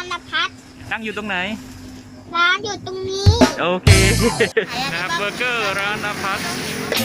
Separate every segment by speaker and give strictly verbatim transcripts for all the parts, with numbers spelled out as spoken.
Speaker 1: านณพัฒน์
Speaker 2: ตั้งอยู่ตรงไหน
Speaker 1: ร้านอยู่ตรงนี้
Speaker 2: โอเคนะครับเบอร์เกอร์ร้านณพัฒน์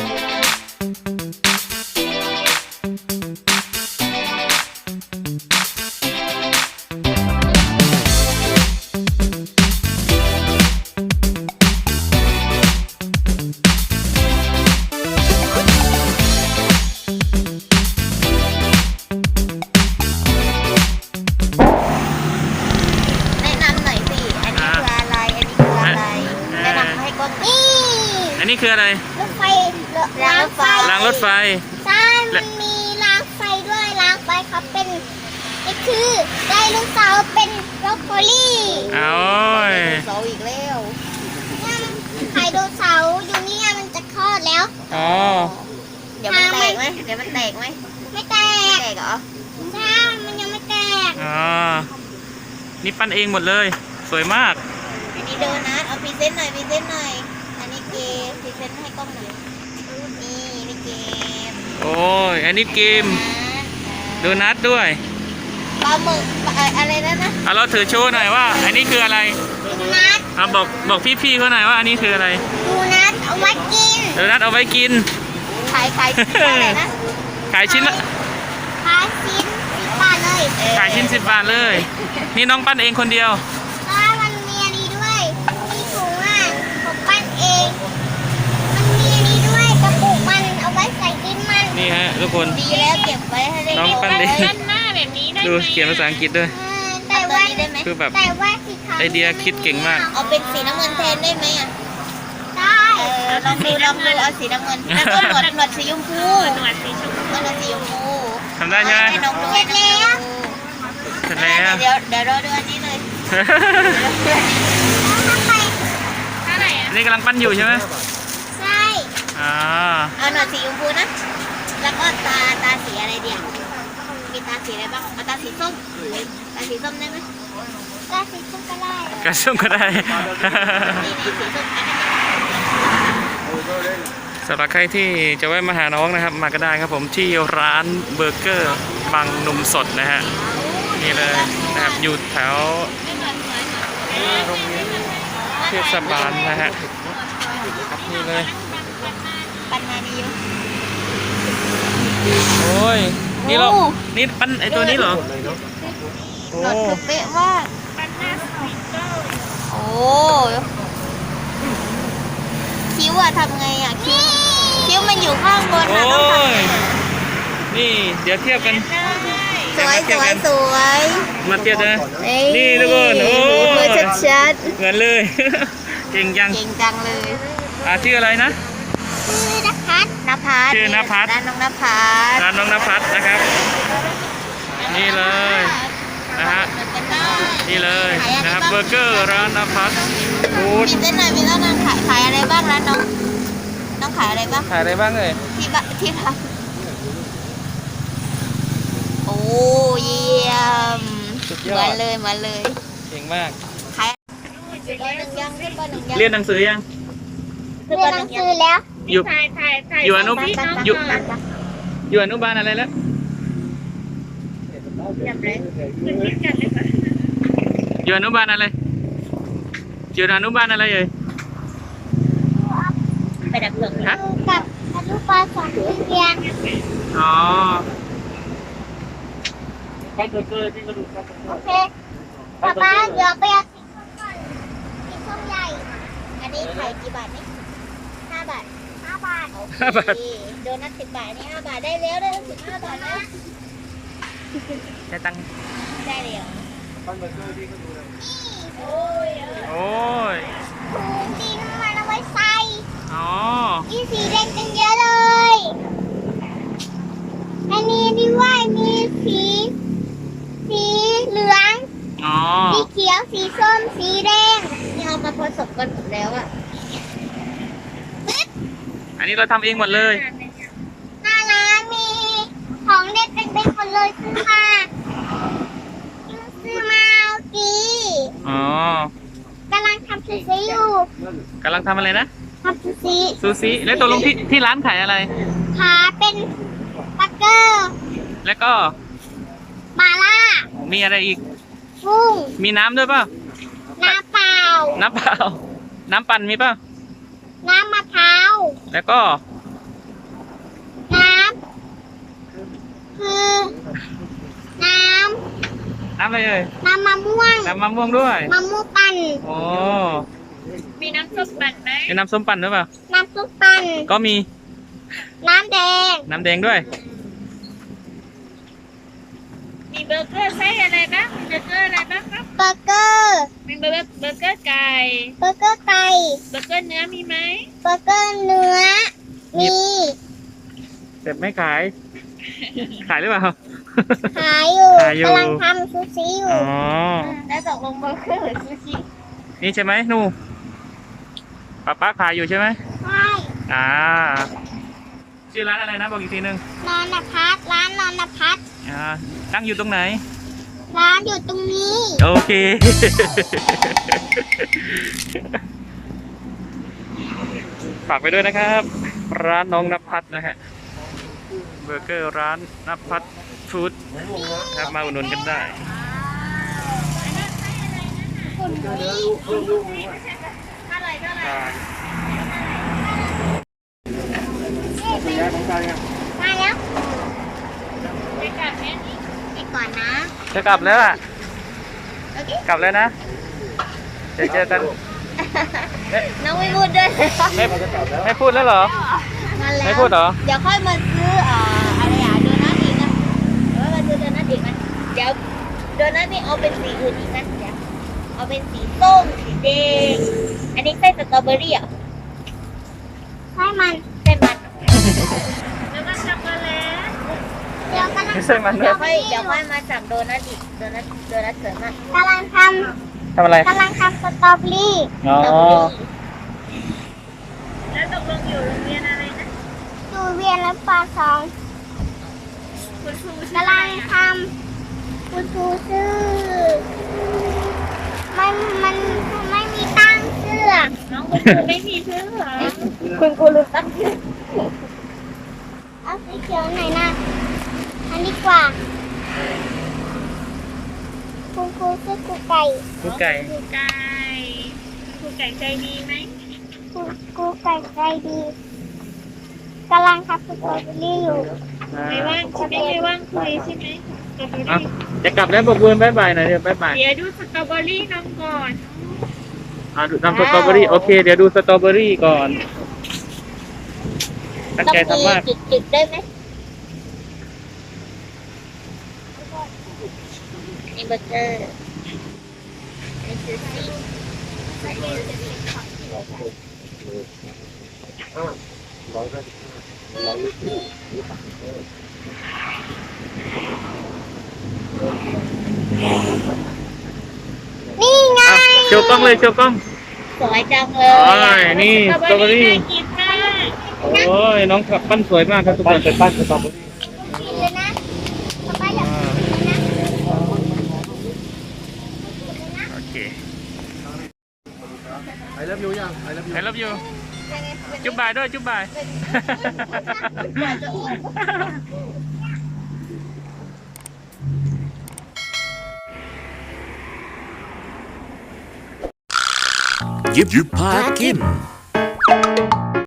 Speaker 2: อันนี้คืออะไร
Speaker 1: รถไฟรางรถไฟ
Speaker 2: รางรถไฟ
Speaker 1: ใช่มันมีรางไฟด้วยรางไฟเขาเป็นนี่คือไดโนเสาร์เป็นบรอกโคลี่
Speaker 2: เอา
Speaker 3: ไดโนเสาร์อีกแล้ว
Speaker 1: ไดโนเสาร์อยู่นี่มันจะคลอดแล้ว
Speaker 2: อ๋อ
Speaker 3: เดี๋ยวมันแตกไหมเดี๋ยวมันแตกไหม
Speaker 1: ไม่แตก
Speaker 3: แตกเหรอ
Speaker 1: ใช่มันยังไม่แตก
Speaker 2: อ๋อนี่ปั้นเองหมดเลยสวยมาก
Speaker 3: อันนี้โดนัทเอาพรีเซนต์หน่อยพรีเซนต์หน่อยอันนี้เกมพรีเซนต์ให้กล้องหน่อยนี่นี่เกม
Speaker 2: โอ้ยอันนี้เกมโดนัทด้วย
Speaker 3: ปลาหมึกอะไรนั่นนะ
Speaker 2: เอาเราถือโชว์หน่อยว่าอันนี้คืออะไร
Speaker 1: โดนัท
Speaker 2: เอาบอกบอกพี่ๆเขาหน่อยว่าอันนี้คืออะไร
Speaker 1: โดนัทเอาไว้กิน
Speaker 2: โดนัทเอาไว้กิน
Speaker 3: ขายขายอะไรนะ
Speaker 2: ขายชิ้นละ
Speaker 1: ขายชิ้นสิบบาทเลย
Speaker 2: ขายชิ้นสิบบาทเลยนี่น้องปั้นเองคนเดียว
Speaker 1: ใช่มันมีอันนี้ด้วยมีถุงอ่ะผมปั้นเองมันมีอันนี้ด้วยกระปุกมันเอาไว้ใส่ดินมัน
Speaker 2: นี่ฮะทุกคน
Speaker 3: ดีแล้วเก็บไว้ให้ได้
Speaker 2: น้องปั้นเอง
Speaker 1: ด้านหน้าแบบนี้ได้
Speaker 2: ดูเขียนภาษาอังกฤษด้วย
Speaker 3: แต่ว่า
Speaker 2: คือแบบ
Speaker 1: แต่ว่าสีขาว
Speaker 2: ไอเดียคิดเก่งมาก
Speaker 3: เอาเป็นสีน้ำเงินแทนได้ไหมอ่ะ
Speaker 1: ได้
Speaker 3: ลองดูลองดูเอาสีน้ำเงินแล้วก็หนวดหนวดสีชมพูหนวดสีชมพูหนวดสีชมพู
Speaker 2: ทำได้ใช่ไหม
Speaker 1: เสร็จแล้ว
Speaker 2: เสร็จแล้ว
Speaker 3: เดี๋ยวเดี๋ยวรอดูอันนี้เลย
Speaker 2: นี่กำลังปั้นอยู่ใช่ไหม
Speaker 1: ใช่
Speaker 2: อ่า
Speaker 3: เอาหนวดสีชมพูนะแล้วก็ตาตาสีอะไรเดียวมีตาสีอะไรบ้างเอาตาสีส้มตาสีส้มได้ไหม
Speaker 1: ตาสีส้มก็ได้
Speaker 2: กระส้มก็ได้
Speaker 3: นี่สีส้ม
Speaker 2: สำหรับใครที่จะแวะมาหาน้องนะครับมาก็ได้ครับผมที่ร้านเบอร์เกอร์บางนมสดนะฮะนี่เลยนะครับอยู่แถวเทศบาลนะฮะนี่เลย
Speaker 3: ปันนาดี
Speaker 2: โอ้ยนี่เรานี่ปั้นไอตัวนี้เหรอ
Speaker 3: โอ้เป๊ะมากปันหน้าสวยเจ้าโอ้คิ้วอะทำไงอะคิ้วคิ้วมันอยู่ข้างบนนะต้องทำไง
Speaker 2: นี่เดี๋ยวเทียบกัน
Speaker 3: สวยสวยสวย
Speaker 2: มาเทียบนะนี่ทุกคนโอ้
Speaker 3: ชัดชัด
Speaker 2: เหมือนเลยเก่งจัง
Speaker 3: เก่งจังเลย
Speaker 2: อ่าชื่ออะไรนะ
Speaker 1: ชื่อนภัส
Speaker 3: นภัส
Speaker 2: ชื่อนภัส
Speaker 3: ร้านน้องนภัส
Speaker 2: ร้านน้องนภัสนะครับนี่เลยนะฮะนี่เลยนะครับเบอร์เกอร์ร้านนภัสฟู้ด
Speaker 3: มีเส้นหน่อยมีเส้นหน่อยขายขายอะไรบ้างร้านน้องน้องขายอะไรบ้าง
Speaker 2: ขายอะไรบ้างเลย
Speaker 3: ที่บ้านที่ร้านโอ้เยี่ยมเหมือนเลยเหมือนเลย
Speaker 2: เก่งมาก
Speaker 3: ขายปหนึ่งยังขึ้นปหนึ่งยัง
Speaker 2: เรียนหนังสือยัง
Speaker 1: เรียนหนังสือแล้ว
Speaker 2: อยู่อยู่อนุอยู่อยู่อนุบาลอะไรแล้วอยู่อนุบาลอะไรอยู่อนุบาลอะไรเอ่ย
Speaker 3: ไปดับเพลิง
Speaker 2: ฮะ
Speaker 1: กับอนุบาลสองเรียน
Speaker 2: อ๋อ
Speaker 1: โอเคป๊าป๊าเดี๋ยวไปเอาสีส้มก่อนสีส้มใหญ่
Speaker 3: อันนี้ขายกี่บาทนี่ห้าบาท
Speaker 1: ห้าบาท
Speaker 2: ห้าบาท
Speaker 3: โดนัทสิบบาทนี่ห้าบาทได้แล้วได้สิบห้าบาทแล้ว
Speaker 2: ได้ตังค์
Speaker 3: ได้แล้ว
Speaker 1: โอ้ย
Speaker 2: โอ้ย
Speaker 1: ถุงดินมันเอาไว้ใส่
Speaker 2: อ๋อ
Speaker 1: มีสีแดงกันเยอะเลยอันนี้ด้วยมีสีสีเหลืองสีเขียวสีส้มสีแดง
Speaker 3: นี่เอามาผสมกันหมดแล้วอ่ะ
Speaker 2: อันนี้เราทำเองหมดเลย
Speaker 1: หน้าร้านมีของเด็กเป็นๆหมดเลยซื้อมาซื้อมาเอากี
Speaker 2: อ๋อก
Speaker 1: ำลังทำซูชิอยู่
Speaker 2: กำลังทำอะไรนะ
Speaker 1: ทำซูชิ
Speaker 2: ซูชิแล้วตกลงที่ที่ร้านขายอะไร
Speaker 1: ขายเป็นบักเกอร์
Speaker 2: แล้วก็
Speaker 1: มาล่า
Speaker 2: มีอะไรอีก
Speaker 1: กุ้ง
Speaker 2: มีน้ำด้วยเปล่า
Speaker 1: น้ำเปล่า
Speaker 2: น้ำเปล่า น้ำปั่นมีเปล่า
Speaker 1: น้ำมะพร้าว
Speaker 2: แล้วก็
Speaker 1: น้ำคือน้
Speaker 2: น้ำอะไรเอ่ย
Speaker 1: ำน้ำมะม่วง
Speaker 2: น้ำมะม่วงด้วย
Speaker 1: มะม่วงปั่น
Speaker 2: โอ้
Speaker 3: มีน้ำส้มปั่นไหม
Speaker 2: มีน้ำส้มปั่นด้วยเปล่า
Speaker 1: น้ำซุปปั่น
Speaker 2: ก็มี
Speaker 1: น้ำแดง
Speaker 2: น้ำแดงด้วย
Speaker 3: มีเบอร์เกอร์ไส้อะไรบ้างมีเบอร์เกอร์อะไรบ้างครับ
Speaker 1: เบอร์เกอร์
Speaker 3: มีเบอร์เกอร์เบอร์เกอร์ไก่
Speaker 1: เบอร์เกอร์ไก่
Speaker 3: เบอร์เกอร์เนื้อมีไหม
Speaker 1: เบอร์เกอร์เนื้อ มี
Speaker 2: แต่ไม่ขาย ขายหรือเปล่า
Speaker 1: ขายอยู่
Speaker 2: ขายอยู่
Speaker 1: กำลังทำซูชิอยู่
Speaker 2: อ๋อ
Speaker 3: แล้วตกลงเบอร์เกอร์หรือซูชิ
Speaker 2: นี่ใช่ไหมหนูป้าป้าขายอยู่ใช่ไหม
Speaker 1: ใช่
Speaker 2: อ่า ชื่อร้านอะไรนะบอกอีกทีหนึง
Speaker 1: นอนพัฒน์ร้านนอนพัฒน์
Speaker 2: อ่า ตั้งอยู่ตรงไหน
Speaker 1: ร้านอยู่ตรงนี้
Speaker 2: โอเค ฝากไปด้วยนะครับ ร้านน้องนภัทรนะฮะ เบอร์เกอร์ร้านนภัทรฟู้ดครับมาอุดหนุนกันได้
Speaker 1: คุณนี่
Speaker 3: เท่าไหร่เท่าไหร่
Speaker 1: มาแล้ว
Speaker 3: ไปกลับแม่นี่
Speaker 1: ไปก่อนนะ
Speaker 2: จะกลับแล้วอ่ะ
Speaker 1: โอเค
Speaker 2: กลับแล้วนะเดี๋ยวเจอกันเอ๊ะ
Speaker 3: น้องไม่พูดด้วย
Speaker 2: ไม่ไม่พูดแล้วเหรอ
Speaker 3: มาแล้ว
Speaker 2: ไม่พูดเหรอ
Speaker 3: เดี๋ยวค่อยมาซื้อเอ่ออะไรอ่ะโดนัทอีกนะเดี๋ยวมาซื้อโดนัทอีกนะเดี๋ยวโดนัทนี่เอาเป็นสีอื่นอีกนะเดี๋ยวเอาเป็นสีส้มสีแดงอันนี้ไส้สตรอเบอรี่เหรอ่ะ
Speaker 1: ให้มัน
Speaker 3: ไส้มันแล้วก็ช็อกโกแลต
Speaker 1: เดี๋ยวกำลัง
Speaker 2: ไม่ใช่มันด้
Speaker 3: เดี๋
Speaker 2: วย
Speaker 3: ยวค่อยเดี๋ยวค่อยมาสั่งโดนัทอีกโดนัทโดนัทเสริมอ่ะ
Speaker 1: กำลังท
Speaker 2: ทำอะไร
Speaker 1: ำกำลังทำสตรอเบอรี่
Speaker 2: อ๋อ
Speaker 3: แล้วตกลงอยู่โรงเรียนอะไรนะ
Speaker 1: ดูเวียนและปลาสอง
Speaker 3: คุณครู
Speaker 1: กำลังทำคุณครูชื่อมันมันไม่มีตั้งเสื้อ
Speaker 3: น้องคุณครูไม่มีเพื่อนเหรอคุณครูรู้ตั้งชื่อ
Speaker 1: เอาสีเขียวไหนอยนะอันนี้กว่าคุณครูชื่อครูไก่
Speaker 2: ลูกไก่
Speaker 3: ครูไก่ครูไก่ใจดีไหม
Speaker 1: ครูครูไก่ใจดีกำลังทำสตรอเบอรี่อยู่
Speaker 3: ไม่ว่างใช่ไหมไม่ว่างคุยใช่ไหมสตรอเบอ
Speaker 2: อ่ะ
Speaker 3: รี่
Speaker 2: จะกลับแล้วบอกบุญบายบายหน่อยเดี๋ยวบายบาย
Speaker 3: เดี๋ยวดูสตรอเบอรี่น้องก่อน
Speaker 2: อ่าดูทำสตรอเบอรี่โอเค เดี๋ยวดูสตรอเบอรี่ก่อน ตั้งใจทำมาก
Speaker 3: จุดจุดๆได้ไหมนี่เบอร์เกอร์นี่ซูชิ
Speaker 1: นี่ไง
Speaker 2: อ่ะโชว์กล้องเลยโชว์กล้อง
Speaker 3: สวยจังเล
Speaker 2: โอ้
Speaker 3: ย
Speaker 2: ยนี่
Speaker 3: สตรอเบอรี่
Speaker 2: สตรอเบอรี่
Speaker 3: น่ากินมาก
Speaker 2: โอ้ยน้องขับปั้นสวยมากครับทุกคนเป็นปั้นสตรอเบอรี่
Speaker 1: กินเลยนะป๊าป๊าอยากกินเลยนะ
Speaker 2: โอเค
Speaker 4: I love you ยัง I love you
Speaker 2: I love you จุ๊บบายด้วยจุ๊บบาย
Speaker 5: ยิบยิบพากิน